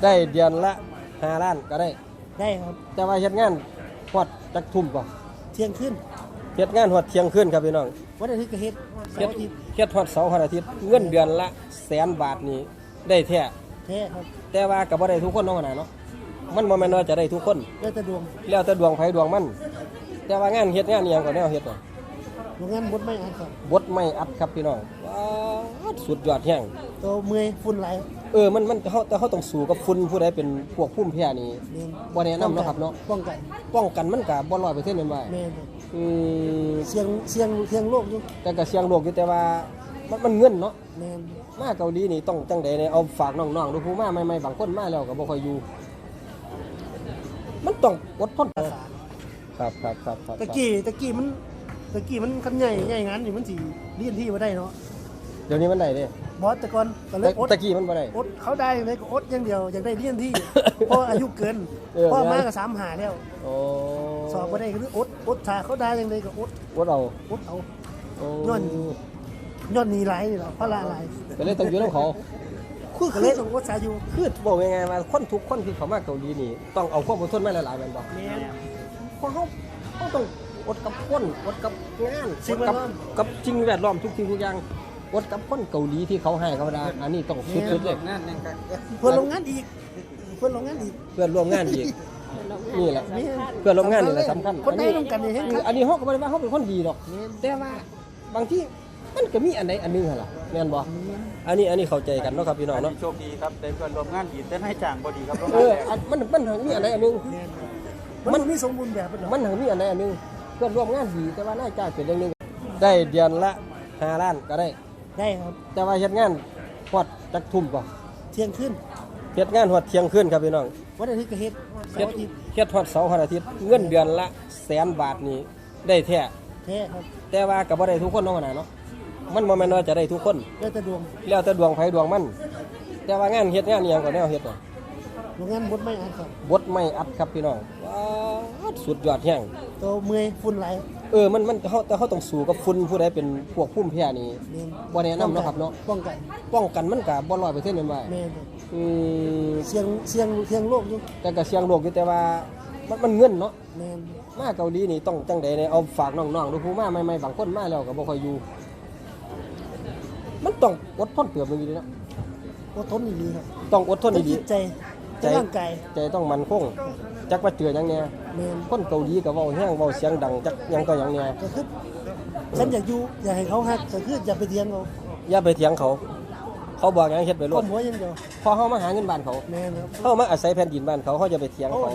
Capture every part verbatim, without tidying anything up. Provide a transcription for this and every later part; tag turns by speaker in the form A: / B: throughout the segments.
A: ได้เดือนละห้าล้านก็ได้
B: ได้ครับ
A: แต่ว่าเฮ็ดงานฮอดจักทุ่มบ่
B: เที่ยงขึ้น
A: เฮ็ดงานฮอดเที่ยงคืนครับพี่น้อง
B: วันอาทิตย์ก็เฮ็ดเสาร์อาทิตย์
A: เฮ็ดฮอดเสาร์ฮอดอาทิตย์เงินเดือนละแสนบาทนี่ได้แท้
B: แท้ครับ
A: แต่ว่าก็บ่ได้ทุกคนเนาะนะเนาะมันบ่แม่นว่าจะได้ทุกคน
B: แล้วแต่ดวง
A: แล้วแต่ดวงไผดวงมันแต่ว่างานเฮ็ดงานอีหยังก็แนวเฮ็ดน่ะ
B: โรงงานบดไม่อัดครับ
A: บดไม่อัดครับพี่น้องว้าสุดยอดแห้ง
B: ตัวเมื่อยฝุ่นหลาย
A: เออมันมันเฮาแต่เฮาต้องสู้กับฝุ่นผู้ใดเป็นพวกภูมิแพ้นี่บ่แนะนำเนาะครับเนาะ
B: ป้องกัน
A: ป้องกันมันก็บ่ ร้อยเปอร์เซ็นต์ แม่นบ่
B: แม่น
A: อืม
B: เสี่ยงเสี่ยงเสี่ยงโรคอยู่
A: แต่ก็เสี่ยงโรคอยู่แต่ว่ามันมันเงินเนาะ
B: แม่น
A: มาเกาหลีนี่ต้องจังได๋เนี่ยเอาฝากน้องๆดูผู้มาใหม่ๆบางคนมาแล้วก็บ่ค่อยอยู่มันต้องอดทนครับครับครับครับ
B: ตะกี้ตะกี้มันตะกี้มันคันใหญ่ใหญ่งานนี่มันสิเรียนที่บ่ได้เนาะ
A: เดี๋ยวนี้มันได้เด้
B: บอสแต่ก่อนก็เลยอด
A: ตะกี้มันบ่ได้
B: อดเขาได้เลยก็อดอย่างเดียวอยากได้เรียนที่เพราะอายุเกินพ่อมาก็สามหาแล้ว
A: โอ้
B: สอบบ่ได้ก็คืออดอดถ้าเขาได้จังได๋ก็อด
A: อดเอา
B: อดเอาย้อนย้อนหนีหลายนี่ล่ะเพราะละหลาย
A: ก็เลยต้องอยู่นำเขา
B: คือก็เลยต้องอดสาอยู่
A: คือบอกยังไงว่าคนทุกคนที่เขามาเกาหลีนี่ต้องเอาความอดทนมาหลายๆแม่นบ่
B: แม่น
A: เพราะเฮาเฮาต้องอดกับคนอดกับงานอดกับกับสิ่งแวดล้อมทุกสิ่งทุกอย่างอดกับคนเกาหลีที่เขาให้เขาได้อันนี้ต้องสุดๆเลย
B: เพื่อนโรงงานอีกเพื่อนโรงงานอีก
A: เพื่อนร่วมงานอีกนี่แหละเพื่อนร่วมงานนี่แหละสำคัญ
B: คนได้ร่วมกันนี่
A: อันนี้เฮาก็บ่ได้ว่าเฮาเป็นคนดีดอกแต่ว่าบางทีมันก็มีอันใดอันนึงหั่นล่ะแม่นบ่อันนี้อันนี้เข้าใจกันเนาะครับพี่น้องเนาะ
C: โชคดีครับได้เพื่อนร่วมงานดีแต่ให้จ้างบ่ดีครับ
A: เออมันมันมีอันใดอันนึง
B: มันมีสมบูรณ์แบบ
A: มันมีอันใดอันนึงเพื่อนร่วมงานดีแต่ว่านายจ้างเป็นอย่างนึงได้เดือนละห้าล้านก็ได้
B: ได้ครับ
A: แต่ว่าเฮ็ดงานฮอดจักทุ่มบ่
B: เที่ยงคืน
A: เฮ็ดงานฮอดเที่ยงคืนครับพี่น้อง
B: วันอาทิตย์ก็เฮ็ดเสาร์อาทิตย์
A: เฮ็ดฮอดเสาร์ฮอดอาทิตย์เงินเดือนละแสนบาทนี่ได้แท้
B: แท้ครับ
A: แต่ว่าก็บ่ได้ทุกคนเนาะนะเนาะมันบ่แม่นว่าจะได้ทุกคน
B: แล้วแต่ดวง
A: แล้วแต่ดวงไผดวงมันแต่ว่างานเฮ็ดงานอีหยังก็แนวเฮ็ดน่ะ
B: โรงงานบดไม่อัดครับ
A: บดไม่อัดครับพี่น้องว้าสุดยอดแห้ง
B: ตัวเมื่อยฝุ่นหลาย
A: เออมันมันเฮาแต่เฮาต้องสู้กับฝุ่นผู้ใดเป็นพวกภูมิแพ้นี่บ่แนะนำเนาะครับเนาะ
B: ป้องกัน
A: ป้องกันมันก็บ่ ร้อยเปอร์เซ็นต์ แม่นบ่
B: แม่น
A: อืม
B: เสี่ยงเสี่ยงเสี่ยงโรคอยู่
A: แต่ก็เสี่ยงโรคอยู่แต่ว่ามันมันเงินเนาะ
B: แม่น
A: มาเกาหลีนี่ต้องจังได๋เนี่ยเอาฝากน้องๆดูผู้มาใหม่ๆบางคนมาแล้วก็บ่ค่อยอยู่มันต้องอดทนเติบนึงอยู่เนาะ
B: อดทนดีครับ
A: ต้องอดทนดี
B: ใจใจร่างกาย
A: ใจต้องมั่นคงจักว่าเจอหยังแน่
B: แม่น
A: คนเกาหลีก็เว้าแฮงเว้าเสียงดังจักหยังก็หยังแน่
B: ก็คือฉันอยากอยู่อยากให้เขาฮักก็คืออย่าไปเถียงเขา
A: อย่าไปเถียงเขาเขาบอกหยังเฮ็ดไปโลด
B: ก้มหัวอย่างเดียว
A: พอเฮามาหาเงินบ้านเขา
B: แม่นครับ
A: เฮามาอาศัยแผ่นดินบ้านเขาเฮาจะไปเถียงเขา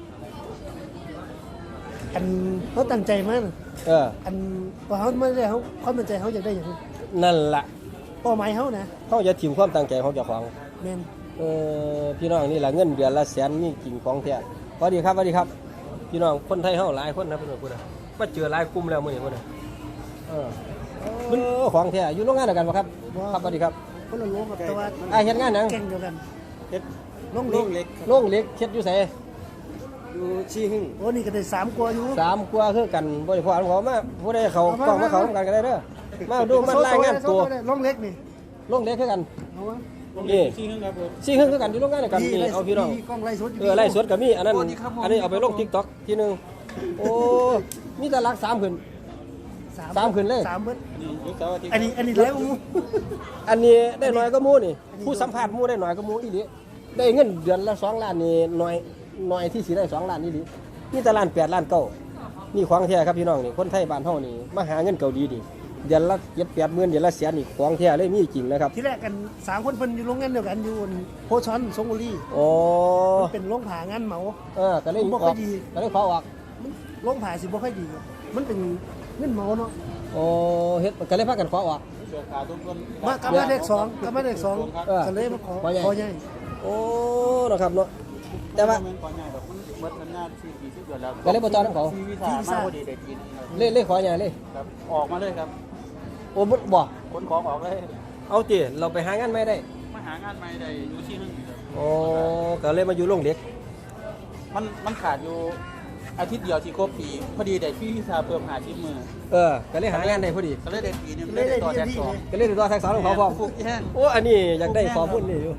B: อันเขาตั้งใจมาก
A: เออ
B: อันพอเขาไม่ได้เขาความตั้งใจเขาอยากได้อย่างนั้น
A: นั่นล่ะ
B: เป้าหมายเขานะ
A: เฮาจะถิ่มความตั้งใจของเจ้าของ
B: แม่น
A: เออพี่น้องนี่ล่ะเงินเดือนละแสนมีจริงของแท้สวัสดีครับสวัสดีครับพี่น้องคนไทยเฮาหลายคนนะเพิ่นพุ่นน่ะมาเจอหลายกลุ่มแล้วมื้อนี้พุ่นน่ะเออมันของแท้อยู่โรงงานเดียวกันบ่ครับครับสวัสดีครับ
B: คนละโรงกับแต่ว่า
A: อ้ายเฮ็ดงานหยัง
B: แข่งเดียวกัน
A: เฮ็ด
B: โรงเล็ก
A: โรงเล็กเฮ็ดอยู่ไส
C: อยู่ชี้หึ่ง
B: โอ้นี่ก็ได้สามกว่าอยู่
A: สามกว่าคือกันบ่ได้พอเขามาผู้ใดเขากล้องมาเขานำกันก็ได้เด้อมาดูมารายงานตัว
B: โรงเล็กนี่
A: โรงเล็กคือกัน
B: เอาวะ
A: นี่
C: ชี้หึ่งครับผม
A: ชี้หึ่งคือกันอยู่โรงงานเดียวกันนี่เอาพี่น้องเออไล่สดก็มีอันนั้นอันนี้เอาไปลง TikTok ทีนึงโอ้มีแต่รักสามขึ้นสามขึ้นเลย
B: สามเบิด
C: นี่เสาร์อาทิตย์
B: อันนี้อันนี้แล้วมู
A: อันนี้ได้น้อยก็มูนี่ผู้สัมภาษณ์มูได้น้อยก็มูอีหลีได้เงินเดือนละสองล้านนี่น้อยน้อยที่สิได้สองล้านอีหลีนี่แต่ล้านแปดล้านเก้านี่ของแท้ครับพี่น้องนี่คนไทยบ้านเฮานี่มาหาเงินเกาหลีนี่เดือนละเจ็ดแปดหมื่นเดือนละแสนนี่ของแท้เลยมีจริงนะครับ
B: ที่แรกกันสามคนเพิ่นอยู่โรงงานเดียวกันอยู่โพชอนสงบุรี
A: โอ้
B: มันเป็นโรงผ่างานเหมา
A: เออก็เลย
B: บ่ค่อยดี
A: ก็เลยขอออก
B: โรงผ่าสิบ่ค่อยดีมันเป็นเงินเหมาเนาะ
A: โอ้เฮ็ดก็เลยพากันขอออก
B: มากลับมาเลขสองกลับมาเลขสองก็เลยมาขอขอใหญ่
A: โอ้นะครับเนาะแต่ว่า
C: ขอใหญ่แบบเบิดนานๆสี่ สี่สิบเดือนแล้ว
A: ก็เลยบ่จอดนำเขา
C: ที่วีซ่ามาบ่ดีได้กิน
A: เล่เล่ขอใหญ่เลย
C: ครับออกมาเลยครับ
A: โอ้บ่
C: ขนของออกเลย
A: เอาติเราไปหางานใหม่ได้
C: มาหางานใหม่ได้อยู่ที่นึงครับ
A: โอ้ก็เลยมาอยู่โรงเล็ก
C: มันมันขาดอยู่อาทิตย์เดียวที่ครบปีพอดีได้พี่วีซ่าเพิ่มห้าสิบมื้อ
A: เออก็เลยหางานได้พอดี
C: ก็เลยได้ปีนึงเลยได้ต่อแท็กสอง
A: ก็เลยได้ต่อแท็กสองของเขาพร้อมโอ้อันนี้อยากได้ข้อมูลนี่อยู่อยาก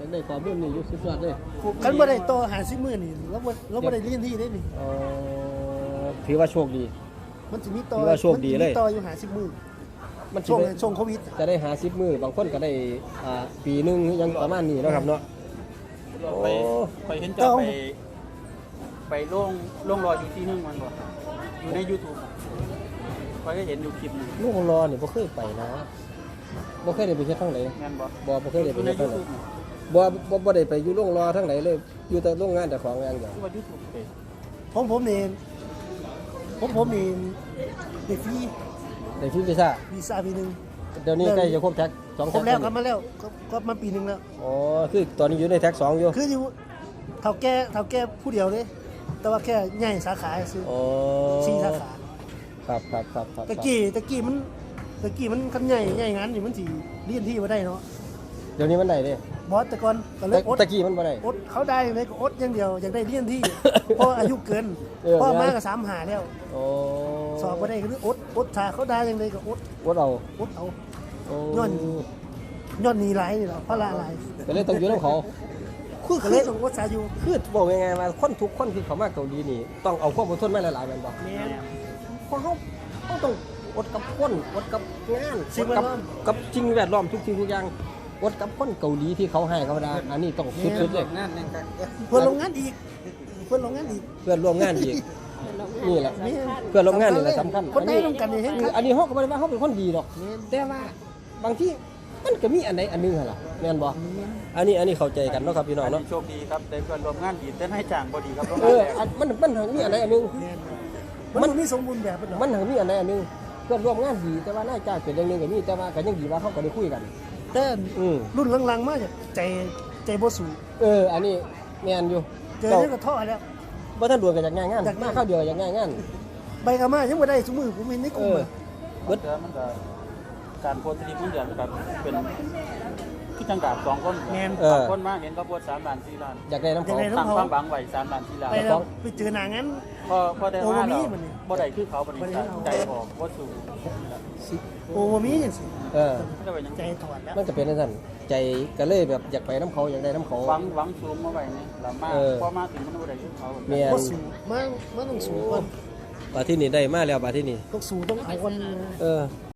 A: ได้ข้อมูลนี่อยู่สุดยอดเลย
B: คันบ่ได้ต่อหาสิบมื้อนี่เราบ่เราบ่ได้เรียนที่ได้นี่
A: เอ่อถือว่าโชคดี
B: มันสิมีต่อ
A: ถือว่าโชคดีเลย
B: มันสิมีต่ออยู่หาสิบมื้อ
A: มันสิ
B: ช่วง
A: ได้
B: ช่วงโควิด
A: จะได้หาสิบมือบางคนก็ได้อ่าปีหนึงยังประมาณนี้เนาะครับเนาะ
C: ไป
A: โอ้
C: ไปเห็นเจ้าไปไปล่วงล่วงรออยู่ที่นึงมันบ่อยู่ใน YouTube คอยก็เห็นอยู่คลิปหนึง
A: ลูกรอนี่บ่เคยไปนะบ่เคยได้ไปเฮ็ดทางไหน
C: แม่นบ่
A: บ่บ่เคยได้
C: อ
A: ไป
C: ยู่ใน
A: เฮ็ดทางไหน
C: YouTube
A: บ่บ่บ่ได้ไปอยู่โรงรอทางไหนเลย อยู่แต่โรงงานแต่ของอย่างเดียว
C: คือว่า YouTube เด้
B: ผมผมนี่ผมผมนี่เด็กฟรี
A: ได้ฟรีวีซ่า
B: วีซ่าปีหนึง
A: เดี๋ยวนี้ใกล้จะครบแท็กสอง
B: ครบแล้ว
A: ท็
B: กลับมาแล้วก็ก็มาปีหนึงแล้ว
A: อ๋อคือตอนนี้อยู่ในแท็กสองอยู่
B: คืออยู่เท่าแก่เท่าแก่ผู้เดียวเลยแต่ว่าแค่ใหญ่สาขาซื้อ
A: อ๋อ
B: สี่สาขา
A: ครับครับครับครับ
B: ตะกี้ตะกี้มันตะกี้มันคันใหญ่ใหญ่งานนี่มันสิเรียนที่บ่ได้เนาะ
A: เดี๋ยวนี้มันได้เด้
B: บอสแต่ก่อนก็เล
A: แต่
B: ยอด
A: ตะกี้มันบ่ได้
B: อดเขาได้เลยก็อดอย่างเดียวอยากได้เรียนที่ เพราะอายุเกิน
A: เออ
B: พ่อมาก็สามหาแล้ว
A: อ๋อ
B: สอบบ่ได้ก็คืออดอดถ้าเขาได้อย่างไรก็อด
A: วดเอา
B: อดเอา
A: โอ้
B: ย้อน ย้อนหนีหลายนี่แหละเพราะละหลาย
A: ก็เลยต้องอยู่นำเขาคือ
B: ก็
A: คื
B: เล
A: อย
B: ต้องอดสาอยู่
A: คือบอกยังไงว่าคนทุกคนที่เขามาเกาหลีนี่ต้องเอาความอดทนมาหลายๆแม่นบ่
B: แม่น
A: เพราะเขาเขาต้องอดกับคนอดกับงาน
B: สิ่ง
A: อด
B: แว
A: กั
B: ดล้อม
A: กับสิ่งแวดล้อมทุกสิ่งทุกอย่างอดกับคนเกาหลีที่เขาให้เขาได้อันนี้ต้องสุดๆเลย
C: งานนั่นกัน
B: เพื่อนโรงงานอีกเพื่อนโรงงานอีก
A: เพื่อนร่วมงานอีกนี่แหละ
B: แม่น
A: เพื่อนร่วมงานนี่แหละสำคัญ
B: คนได้ร่วมกันนี่เห็น
A: คือ
B: ครับ
A: อันนี้เขาก็ไม่ได้ว่าเขาเป็นคนดีหรอกแต่ว่าบางที่มันก็มีอันใดอันหนึงหั่นล่ะแม่นบ่อันนี้อันนี้เข้าใจกันเนาะครับพี่น้อง
C: อัน
A: เนาะ
C: นี้โชคดีครับได้เพื่อนร่วมงานดีแต่ให้จ้างบ่ดีครับร่วม
A: เอง
C: าน
A: อ
C: แรก
A: อันมันมันมีอันใดอันหนึง
B: แม่นมันบ่มีสมบูรณ์แบบเป็นหรอก
A: มันหังมีอันใดอันหนึงเพื่อนร่วมงานดีแต่ว่านายจ้างเป็นอย่างหนึงก็มีแต่ว่าก็ยังดีว่าเขาก็ได้คุยกัน
B: แต่
A: อืม
B: รุ่นหลังๆมาจากใจใจบ่สูง
A: เอออันนี้แม่นอยู่
B: เจอเนี่ยก็ท้อแล้ว
A: บ่ทันดวนกันจากงานงาน
B: จากงาน
A: มาเข้าวเดียวจากงานงาน
B: ใบกามายังบ่ได้ซุมือผมเห็นในก
A: เอ
B: ลุ่ม
A: อ
B: อะ
A: เบิด
C: เดี๋ยวมันก็การโพสต์ทริปมันเดือนครับเป็นที่จังกาบสองคน
B: แม่น
A: เออ
C: สามคนมาเห็นเขาโพสต์สามล้านสี่ล้าน
A: อยากได้น้ำเขา
B: อยากได้น้ำ
C: ตั้งความหวังไว้สามล้านสี่ล้าน
B: ไปแล้วไปเจอหน้างั้น
C: พอพอได้
B: โอ้
C: มา
B: บ่มี
C: แล้ว
B: มันนี่
C: บ่ได้คือเขาบ่ได้
B: บ่ได้เอา
C: ใจออกบ่สูง
B: โอ้บ่มีจังซี่
A: เออ
C: ไม่ได้ไปยัง
B: ใจถอดแล้ว
A: มันก็เป็นจังซั่นใจก็เลยแบบอยากไปน้ำเขาอยากได้น้ำเขา
C: หวังหวังสูงมาไว้นี่แล้วมา
A: เออ
C: พอมาถึงมันบ่ได้คือเขา
A: แม่น
B: บ่สูงมามาต้องสูงก่อน
A: บาที่นี่ได้มาแล้วบาที่นี่
B: ต้องสูงต้องเอาก่อน
A: เออ